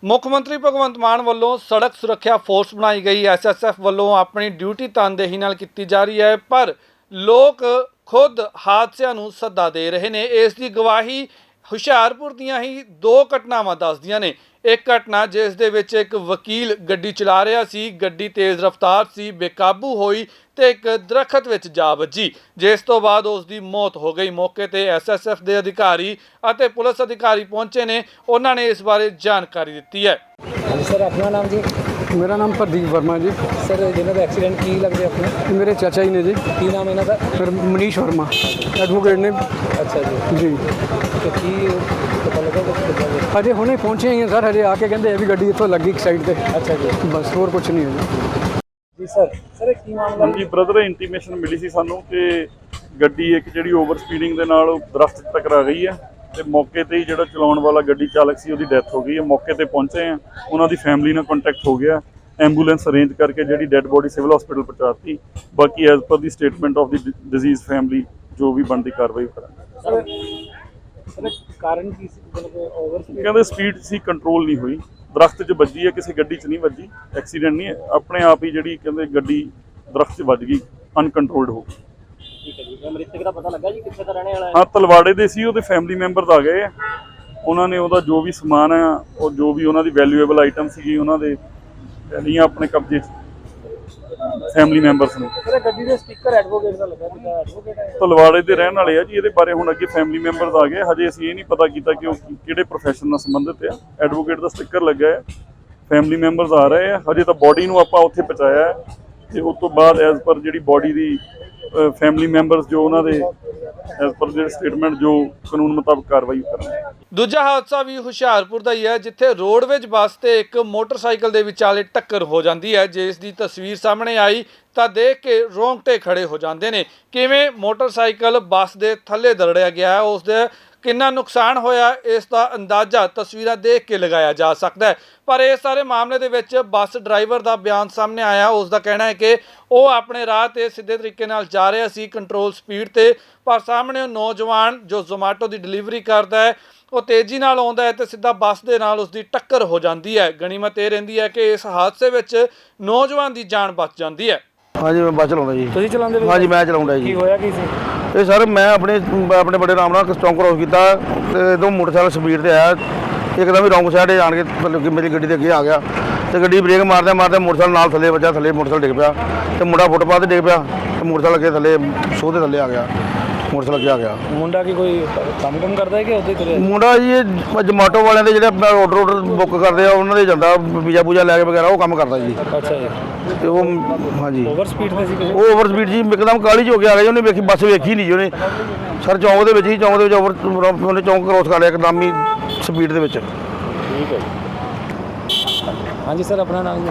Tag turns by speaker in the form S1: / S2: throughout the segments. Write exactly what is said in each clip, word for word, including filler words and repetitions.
S1: ਮੁੱਖ ਮੰਤਰੀ ਭਗਵੰਤ ਮਾਨ ਵੱਲੋਂ ਸੜਕ ਸੁਰੱਖਿਆ ਫੋਰਸ ਬਣਾਈ ਗਈ। ਐਸ ਐਸ ਐਫ ਵੱਲੋਂ ਆਪਣੀ ਡਿਊਟੀ ਤਨਦੇਹੀ ਨਾਲ ਕੀਤੀ ਜਾ ਰਹੀ ਹੈ, ਪਰ ਲੋਕ खुद हादसों नूं सद्दा दे रहे ने। इस दी गवाही हुशियारपुर दियां ही दो घटनावां दसदियां ने। एक घटना जिस दे विच एक वकील गड्डी चला रहा सी, गड्डी तेज़ रफ्तार सी, बेकाबू होई ते एक दरखत विच जा वजी, जिस तो बाद उसकी मौत हो गई। मौके ते एस एस एफ के अधिकारी अते पुलिस अधिकारी पहुंचे ने, उन्होंने इस बारे जानकारी दी है।
S2: सर अपना नाम जी?
S3: मेरा नाम प्रदीप वर्मा जी।
S2: सर जिन्होंने एक्सीडेंट की लगते अपने?
S3: मेरे चाचा जी ने जी।
S2: की नाम है इन्हों
S3: फिर मनीष वर्मा एडवोकेट ने।
S2: अच्छा जी
S3: जी
S2: तो की पता लगा कुछ?
S3: अजे हुणे पहुंचे ही हैं सर, अजे आके कहते भी गड्डी इत्थों लगी एक साइड पे।
S2: अच्छा जी
S3: बस होर कुछ नहीं है
S2: जी। सर सर की मामला
S4: जी ब्रदर इंटीमेशन मिली सी सानू कि गड्डी एक जिहड़ी ओवर स्पीडिंग दे नाल दरख्त टकरा गई है ਤੇ मौके ਤੇ ਹੀ ਜਿਹੜਾ ਚਲਾਉਣ ਵਾਲਾ ਗੱਡੀ ਚਾਲਕ ਸੀ ਉਹਦੀ ਡੈਥ ਹੋ ਗਈ ਹੈ। ਮੌਕੇ ਤੇ ਪਹੁੰਚੇ ਆ, ਉਹਨਾਂ ਦੀ ਫੈਮਿਲੀ ਨਾਲ ਕੰਟੈਕਟ ਹੋ ਗਿਆ, ਐਂਬੂਲੈਂਸ ਅਰੇਂਜ ਕਰਕੇ ਜਿਹੜੀ ਡੈੱਡ ਬੋਡੀ ਸਿਵਲ ਹਸਪੀਟਲ ਪਹੁੰਚਾਤੀ। ਬਾਕੀ as per the statement of the deceased family ਜੋ ਵੀ ਬਣਦੀ ਕਾਰਵਾਈ ਕਰਾਂਗੇ।
S2: ਸਰ ਕਾਰਨ ਕੀ ਸੀ? ਮਤਲਬ ਓਵਰ ਸਪੀਡ
S4: ਕਹਿੰਦੇ ਸਪੀਡ ਸੀ, ਕੰਟਰੋਲ ਨਹੀਂ ਹੋਈ, ਦਰਖਤ 'ਚ ਵੱਜੀ ਹੈ, ਕਿਸੇ ਗੱਡੀ 'ਚ ਨਹੀਂ ਵੱਜੀ, ਐਕਸੀਡੈਂਟ ਨਹੀਂ ਹੈ, ਆਪਣੇ ਆਪ ਹੀ ਜਿਹੜੀ ਕਹਿੰਦੇ ਗੱਡੀ ਦਰਖਤ 'ਚ ਵੱਜ ਗਈ, ਅਨਕੰਟਰੋਲਡ ਹੋ ਗਈ।
S2: ਠੀਕ ਹੈ ਜੀ। ਮ੍ਰਿਤਕ ਦਾ ਪਤਾ ਲੱਗਾ ਜੀ ਕਿੱਥੇ ਦਾ ਰਹਿਣੇ ਵਾਲਾ ਹੈ?
S4: ਹਾਂ ਤਲਵਾੜੇ ਦੇ ਸੀ, ਉਹਦੇ ਫੈਮਿਲੀ ਮੈਂਬਰਸ ਆ ਗਏ ਆ, ਉਹਨਾਂ ਨੇ ਉਹਦਾ ਜੋ ਵੀ ਸਮਾਨ ਆ ਉਹ ਜੋ ਵੀ ਉਹਨਾਂ ਦੀ ਵੈਲਿਊਏਬਲ ਆਈਟਮ ਸੀਗੀ ਉਹਨਾਂ ਦੇ ਲਈਆਂ ਆਪਣੇ ਕਬਜ਼ੇ 'ਚ, ਫੈਮਿਲੀ ਮੈਂਬਰਸ ਨੇ।
S2: ਸਰ ਗੱਡੀ ਦੇ ਸਟicker ਐਡਵੋਕੇਟ ਦਾ ਲੱਗਾ ਸੀ, ਐਡਵੋਕੇਟ ਹੈ
S4: ਤਲਵਾੜੇ ਦੇ ਰਹਿਣ ਵਾਲੇ ਆ ਜੀ। ਇਹਦੇ ਬਾਰੇ ਹੁਣ ਅੱਗੇ ਫੈਮਿਲੀ ਮੈਂਬਰਸ ਆ ਗਏ, ਹਜੇ ਅਸੀਂ ਇਹ ਨਹੀਂ ਪਤਾ ਕੀਤਾ ਕਿ ਉਹ ਕਿਹੜੇ ਪ੍ਰੋਫੈਸ਼ਨ ਨਾਲ ਸੰਬੰਧਿਤ ਆ। ਐਡਵੋਕੇਟ ਦਾ ਸਟicker ਲੱਗਾ ਹੈ, ਫੈਮਿਲੀ ਮੈਂਬਰਸ ਆ ਰਹੇ ਆ, ਹਜੇ ਤਾਂ ਬੋਡੀ ਨੂੰ ਆਪਾਂ ਉੱਥੇ ਪਹੁੰਚਾਇਆ ਹੈ ਤੇ ਉਸ ਤੋਂ ਬਾਅਦ ਐਜ਼ ਪਰ ਜਿਹੜੀ ਬੋਡੀ ਦੀ ਫੈਮਿਲੀ ਮੈਂਬਰਸ ਜੋ ਉਹਨਾਂ ਦੇ ਐਜ਼ ਪਰ ਜਿਹੜੀ ਸਟੇਟਮੈਂਟ ਜੋ ਕਾਨੂੰਨ ਮੁਤਾਬਕ ਕਾਰਵਾਈ ਕਰਾਂਗੇ।
S1: ਦੂਜਾ ਹਾਦਸਾ ਵੀ ਹੁਸ਼ਿਆਰਪੁਰ ਦਾ ਹੀ ਹੈ, ਜਿੱਥੇ ਰੋਡਵੇਜ ਬੱਸ ਤੇ ਇੱਕ ਮੋਟਰਸਾਈਕਲ ਦੇ ਵਿਚਾਲੇ ਟੱਕਰ ਹੋ ਜਾਂਦੀ ਹੈ। ਜਿਸ ਦੀ ਤਸਵੀਰ ਸਾਹਮਣੇ ਆਈ ਤਾਂ ਦੇਖ ਕੇ ਰੋਂਗਟੇ ਖੜੇ ਹੋ ਜਾਂਦੇ ਨੇ। ਕਿਵੇਂ ਮੋਟਰਸਾਈਕਲ ਬੱਸ ਦੇ ਥੱਲੇ ਦਰੜਿਆ ਗਿਆ ਹੈ, ਉਸ ਦੇ ਕਿੰਨਾ ਨੁਕਸਾਨ ਹੋਇਆ ਇਸ ਦਾ ਅੰਦਾਜ਼ਾ ਤਸਵੀਰਾਂ ਦੇਖ ਕੇ ਲਗਾਇਆ ਜਾ ਸਕਦਾ ਹੈ। ਪਰ ਇਸ ਸਾਰੇ ਮਾਮਲੇ ਦੇ ਵਿੱਚ ਬੱਸ ਡਰਾਈਵਰ ਦਾ ਬਿਆਨ ਸਾਹਮਣੇ ਆਇਆ। ਉਸ ਦਾ ਕਹਿਣਾ ਹੈ ਕਿ ਉਹ ਆਪਣੇ ਰਾਹ ਤੇ ਸਿੱਧੇ ਤਰੀਕੇ ਨਾਲ ਜਾ ਰਿਹਾ ਸੀ, ਕੰਟਰੋਲ ਸਪੀਡ ਤੇ, ਪਰ ਸਾਹਮਣੇ ਉਹ ਨੌਜਵਾਨ ਜੋ ਜ਼ੋਮੈਟੋ ਦੀ ਡਿਲੀਵਰੀ ਕਰਦਾ ਹੈ ਉਹ ਤੇਜ਼ੀ ਨਾਲ ਆਉਂਦਾ ਹੈ ਤੇ ਸਿੱਧਾ ਬੱਸ ਦੇ ਨਾਲ ਉਸ ਦੀ ਟੱਕਰ ਹੋ ਜਾਂਦੀ ਹੈ। ਗਣੀਮਤ ਇਹ ਰਹਿੰਦੀ ਹੈ ਕਿ ਇਸ ਹਾਦਸੇ ਵਿੱਚ ਨੌਜਵਾਨ ਦੀ ਜਾਨ ਬਚ ਜਾਂਦੀ ਹੈ।
S5: हाँ जी मैं बस चलाਉਂਦਾ जी।
S2: ਤੁਸੀਂ ਚਲਾਉਂਦੇ ਹੋ?
S5: हाँ जी मैं चलाਉਂਦਾ
S2: ਕੀ
S5: जी।
S2: ਹੋਇਆ ਕੀ ਸੀ?
S5: ਇਹ ਸਰ ਮੈਂ ਆਪਣੇ ਆਪਣੇ ਬੜੇ ਆਰਾਮ ਨਾਲ ਚੌਂਕ ਕ੍ਰੋਸ ਕੀਤਾ ਤੇ ਇਦੋਂ ਮੋਟਰਸਾਈਕਲ ਸਪੀਡ ਤੇ ਆਇਆ, ਇੱਕਦਮ ਹੀ ਰੌਂਗ ਸਾਈਡ ਆਣ ਕੇ ਮਤਲਬ ਕਿ ਮੇਰੀ ਗੱਡੀ ਦੇ ਅੱਗੇ ਆ ਗਿਆ ਤੇ ਗੱਡੀ ਬ੍ਰੇਕ ਮਾਰਦੇ ਮਾਰਦੇ ਮੋਟਰਸਾਈਕਲ ਨਾਲ ਥੱਲੇ ਵੱਜਾ, ਥੱਲੇ ਮੋਟਰਸਾਈਕਲ ਡਿੱਗ ਪਿਆ ਤੇ ਮੁੰਡਾ ਫੁੱਟਪਾਥ ਤੇ ਡਿੱਗ ਪਿਆ ਤੇ ਮੋਟਰਸਾਈਕਲ ਅੱਗੇ ਥੱਲੇ ਸੋਹ ਦੇ ਥੱਲੇ ਆ ਗਿਆ, ਮੋਟਰਸਾਈਕਲ ਅੱਗੇ ਆ ਗਿਆ।
S2: ਮੁੰਡਾ ਕੀ ਕੋਈ ਕੰਮ ਕੰਮ ਕਰਦਾ ਹੈ ਕਿ ਉੱਥੇ ਤੁਰਿਆ?
S5: ਮੁੰਡਾ ਜੀ ਇਹ ਜਮਾਟੋ ਵਾਲਿਆਂ ਦੇ ਜਿਹੜੇ ਆਪਣਾ ਆਰਡਰ ਆਰਡਰ ਬੁੱਕ ਕਰਦੇ ਆ ਉਹਨਾਂ ਦੇ ਜਾਂਦਾ ਵੀਜ਼ਾ ਪੂਜਾ ਲੈ ਕੇ ਵਗੈਰਾ ਉਹ ਕੰਮ ਕਰਦਾ ਜੀ।
S2: ਅੱਛਾ ਜੀ।
S5: ਤੇ ਉਹ ਹਾਂਜੀ
S2: ਓਵਰ ਸਪੀਡ ਤੇ ਸੀ?
S5: ਉਹ ਓਵਰ ਸਪੀਡ ਜੀ, ਇੱਕਦਮ ਕਾਹਲੀ 'ਚ ਹੋ ਕੇ ਆ ਗਿਆ ਜੀ। ਉਹਨੇ ਵੇਖੀ ਬੱਸ ਵੇਖੀ ਨਹੀਂ ਜੀ ਉਹਨੇ, ਸਰ ਚੌਂਕ ਦੇ ਵਿੱਚ ਹੀ ਚੌਂਕ ਦੇ ਵਿੱਚ ਓਵਰ ਉਹਨੇ ਚੌਂਕ ਕ੍ਰੋਸ ਕਰ ਲਿਆ ਇੱਕਦਮ ਹੀ ਸਪੀਡ ਦੇ ਵਿੱਚ।
S2: ਠੀਕ ਹੈ ਜੀ। ਹਾਂਜੀ ਸਰ ਆਪਣਾ ਨਾਮ ਜੀ?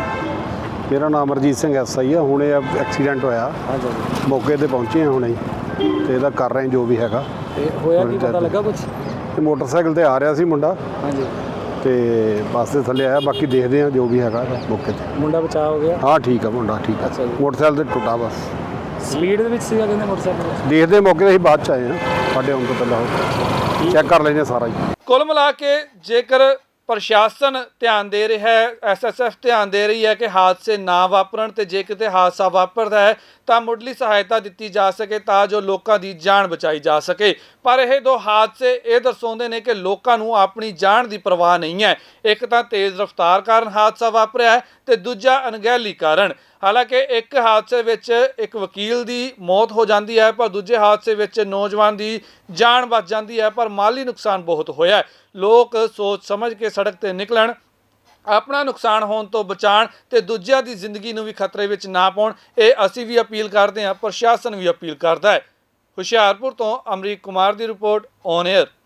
S6: ਮੇਰਾ ਨਾਮ ਅਰਜੀਤ ਸਿੰਘ ਐਸ ਆਈ ਆ। ਹੁਣੇ ਐਕਸੀਡੈਂਟ ਹੋਇਆ,
S2: ਹਾਂਜੀ
S6: ਮੌਕੇ ਤੇ ਪਹੁੰਚੇ ਆ ਹੁਣੇ ਤੇ ਇਹਦਾ ਕਰ ਰਹੇ ਜੋ ਵੀ ਹੈਗਾ।
S2: ਤੇ ਹੋਇਆ ਕੀ ਪਤਾ ਲੱਗਾ ਕੁਝ?
S6: ਤੇ ਮੋਟਰਸਾਈਕਲ ਤੇ ਆ ਰਿਹਾ ਸੀ ਮੁੰਡਾ
S2: ਹਾਂਜੀ
S6: ਤੇ ਬੱਸ ਦੇ ਥੱਲੇ ਆਇਆ, ਬਾਕੀ ਦੇਖਦੇ ਆ ਜੋ ਵੀ ਹੈਗਾ ਮੌਕੇ ਤੇ।
S2: ਮੁੰਡਾ ਬਚਾਅ ਹੋ ਗਿਆ?
S6: ਹਾਂ ਠੀਕ ਆ ਮੁੰਡਾ, ਠੀਕ ਆ।
S2: ਅੱਛਾ ਜੀ।
S6: ਮੋਟਰਸਾਈਕਲ ਤੇ ਟੁੱਟਾ ਬਸ।
S2: ਸਪੀਡ ਦੇ ਵਿੱਚ ਸੀਗਾ ਕਹਿੰਦੇ ਮੋਟਰਸਾਈਕਲ?
S6: ਦੇਖਦੇ ਮੌਕੇ ਤੇ ਅਸੀਂ ਬਾਅਦ ਚ ਆਏ ਆ, ਸਾਡੇ ਆਉਣ ਤੋਂ ਪਹਿਲਾਂ ਉਹ ਚੈੱਕ ਕਰ ਲੈਂਦੇ ਸਾਰਾ ਹੀ।
S1: ਕੁੱਲ ਮਿਲਾ ਕੇ ਜੇਕਰ ਪ੍ਰਸ਼ਾਸਨ ਧਿਆਨ ਦੇ ਰਿਹਾ ਹੈ, ਐਸ ਐਸ ਐਫ ਧਿਆਨ ਦੇ ਰਹੀ ਹੈ ਕਿ ਹਾਦਸੇ ਨਾ ਵਾਪਰਨ, ਤੇ ਜੇ ਕਿਤੇ ਹਾਦਸਾ ਵਾਪਰਦਾ ਹੈ ਤਾਂ ਮੁੱਢਲੀ ਸਹਾਇਤਾ ਦਿੱਤੀ ਜਾ ਸਕੇ ਤਾਂ ਜੋ ਲੋਕਾਂ ਦੀ ਜਾਨ ਬਚਾਈ ਜਾ ਸਕੇ। ਪਰ ਇਹ ਦੋ ਹਾਦਸੇ ਇਹ ਦਰਸਾਉਂਦੇ ਨੇ ਕਿ ਲੋਕਾਂ ਨੂੰ ਆਪਣੀ ਜਾਨ ਦੀ ਪਰਵਾਹ ਨਹੀਂ ਹੈ। ਇੱਕ ਤਾਂ ਤੇਜ਼ ਰਫ਼ਤਾਰ ਕਾਰਨ ਹਾਦਸਾ ਵਾਪਰਿਆ ਹੈ ਤੇ ਦੂਜਾ ਅਣਗਹਿਲੀ ਕਾਰਨ। ਹਾਲਾਂਕਿ ਇੱਕ ਹਾਦਸੇ ਵਿੱਚ ਇੱਕ ਵਕੀਲ ਦੀ ਮੌਤ ਹੋ ਜਾਂਦੀ ਹੈ, ਪਰ ਦੂਜੇ ਹਾਦਸੇ ਵਿੱਚ ਨੌਜਵਾਨ ਦੀ ਜਾਨ ਬਚ ਜਾਂਦੀ ਹੈ, ਪਰ ਮਾਲੀ ਨੁਕਸਾਨ ਬਹੁਤ ਹੋਇਆ ਹੈ। ਲੋਕ ਸੋਚ ਸਮਝ ਕੇ ਸੜਕ ਤੇ ਨਿਕਲਣ, ਆਪਣਾ ਨੁਕਸਾਨ ਹੋਣ ਤੋਂ ਬਚਾਉਣ ਤੇ ਦੂਜਿਆਂ ਦੀ ਜ਼ਿੰਦਗੀ ਨੂੰ ਵੀ ਖਤਰੇ ਵਿੱਚ ਨਾ ਪਾਉਣ, ਇਹ ਅਸੀਂ ਵੀ ਅਪੀਲ ਕਰਦੇ ਹਾਂ, ਪ੍ਰਸ਼ਾਸਨ ਵੀ ਅਪੀਲ ਕਰਦਾ ਹੈ। ਹੁਸ਼ਿਆਰਪੁਰ ਤੋਂ ਅਮਰੀਕ ਕੁਮਾਰ ਦੀ ਰਿਪੋਰਟ, ਔਨ ਏਅਰ।